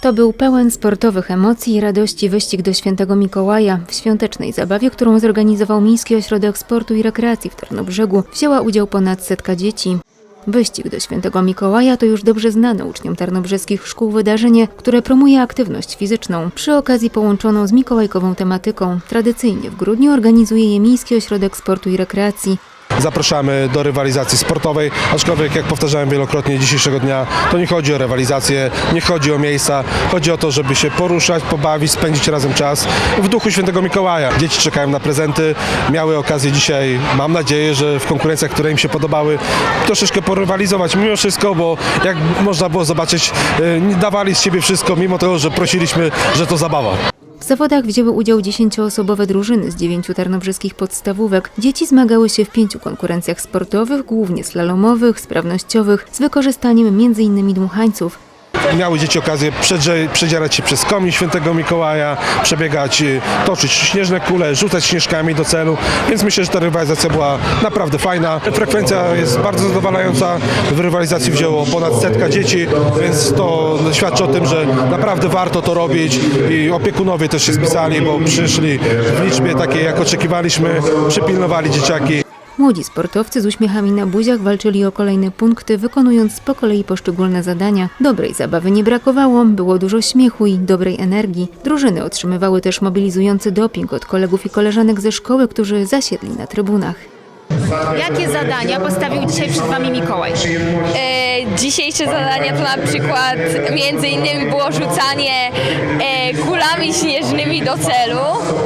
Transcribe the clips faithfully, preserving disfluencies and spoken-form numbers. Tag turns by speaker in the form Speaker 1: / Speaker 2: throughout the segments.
Speaker 1: To był pełen sportowych emocji i radości wyścig do Świętego Mikołaja. W świątecznej zabawie, którą zorganizował Miejski Ośrodek Sportu i Rekreacji w Tarnobrzegu, wzięła udział ponad setka dzieci. Wyścig do Świętego Mikołaja to już dobrze znane uczniom tarnobrzeskich szkół wydarzenie, które promuje aktywność fizyczną. Przy okazji połączoną z mikołajkową tematyką. Tradycyjnie w grudniu organizuje je Miejski Ośrodek Sportu i Rekreacji.
Speaker 2: Zapraszamy do rywalizacji sportowej, aczkolwiek jak powtarzałem wielokrotnie dzisiejszego dnia, to nie chodzi o rywalizację, nie chodzi o miejsca, chodzi o to, żeby się poruszać, pobawić, spędzić razem czas w duchu Świętego Mikołaja. Dzieci czekają na prezenty, miały okazję dzisiaj, mam nadzieję, że w konkurencjach, które im się podobały, troszeczkę porywalizować mimo wszystko, bo jak można było zobaczyć, dawali z siebie wszystko, mimo tego, że prosiliśmy, że to zabawa.
Speaker 1: W zawodach wzięły udział dziesięcioosobowe drużyny z dziewięciu tarnobrzeskich podstawówek. Dzieci zmagały się w pięciu konkurencjach sportowych, głównie slalomowych, sprawnościowych, z wykorzystaniem między innymi dmuchańców.
Speaker 2: Miały dzieci okazję przedzierać się przez komin Świętego Mikołaja, przebiegać, toczyć śnieżne kule, rzucać śnieżkami do celu, więc myślę, że ta rywalizacja była naprawdę fajna. Frekwencja jest bardzo zadowalająca, w rywalizacji wzięło ponad setka dzieci, więc to świadczy o tym, że naprawdę warto to robić i opiekunowie też się spisali, bo przyszli w liczbie takiej, jak oczekiwaliśmy, przypilnowali dzieciaki.
Speaker 1: Młodzi sportowcy z uśmiechami na buziach walczyli o kolejne punkty, wykonując po kolei poszczególne zadania. Dobrej zabawy nie brakowało, było dużo śmiechu i dobrej energii. Drużyny otrzymywały też mobilizujący doping od kolegów i koleżanek ze szkoły, którzy zasiedli na trybunach.
Speaker 3: Jakie zadania postawił dzisiaj przed Wami Mikołaj?
Speaker 4: E, dzisiejsze zadania to na przykład między innymi było rzucanie e, kulami śnieżnymi do celu,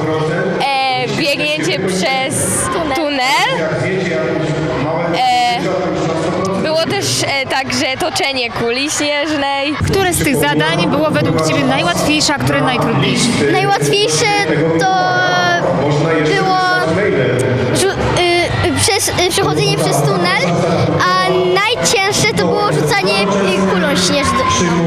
Speaker 4: e, biegnięcie przez tunel, e, było też e, także toczenie kuli śnieżnej.
Speaker 3: Które z tych zadań było według Ciebie najłatwiejsze, a które najtrudniejsze?
Speaker 5: Najłatwiejsze to było rzu- y, przez, y, przechodzenie przez tunel, a najcięższe to było rzucanie y, kulą śnieżną.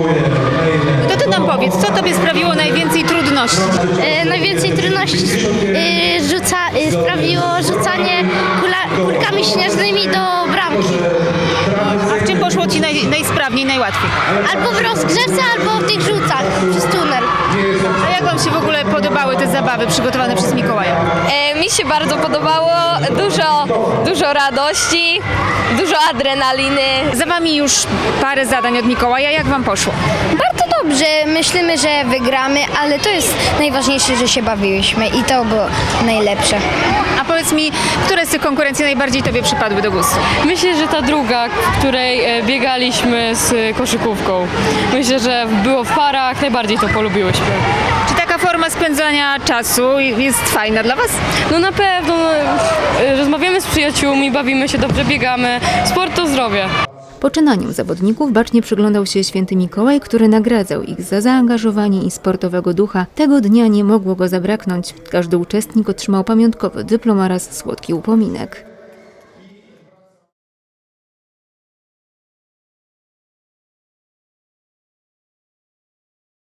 Speaker 3: To Ty nam powiedz, co Tobie sprawiło najwięcej trudności?
Speaker 5: Y, najwięcej trudności y, rzuca, y, sprawiło rzucanie kula, kulkami śnieżnymi do bramki.
Speaker 3: A w czym poszło Ci naj, najsprawniej, najłatwiej?
Speaker 5: Albo w rozgrzewce, albo w tych rzutach przez tunel.
Speaker 3: A jak Wam się w ogóle podobały te zabawy przygotowane przez Mikołaja?
Speaker 4: E, mi się bardzo podobało, dużo, dużo radości, dużo adrenaliny.
Speaker 3: Za Wami już parę zadań od Mikołaja, jak Wam poszło?
Speaker 5: Bardzo dobrze, myślimy, że wygramy, ale to jest najważniejsze, że się bawiliśmy i to było najlepsze.
Speaker 3: A powiedz mi, które z tych konkurencji najbardziej Tobie przypadły do gustu?
Speaker 6: Myślę, że ta druga, w której biegaliśmy z koszykówką. Myślę, że było w parach, najbardziej to polubiłyśmy.
Speaker 3: Czy taka forma spędzania czasu jest fajna dla Was?
Speaker 6: No na pewno, no, rozmawiamy z przyjaciółmi, bawimy się dobrze, biegamy. Sport to zdrowie.
Speaker 1: Poczynaniom zawodników bacznie przyglądał się Święty Mikołaj, który nagradzał ich za zaangażowanie i sportowego ducha. Tego dnia nie mogło go zabraknąć. Każdy uczestnik otrzymał pamiątkowy dyplom oraz słodki upominek.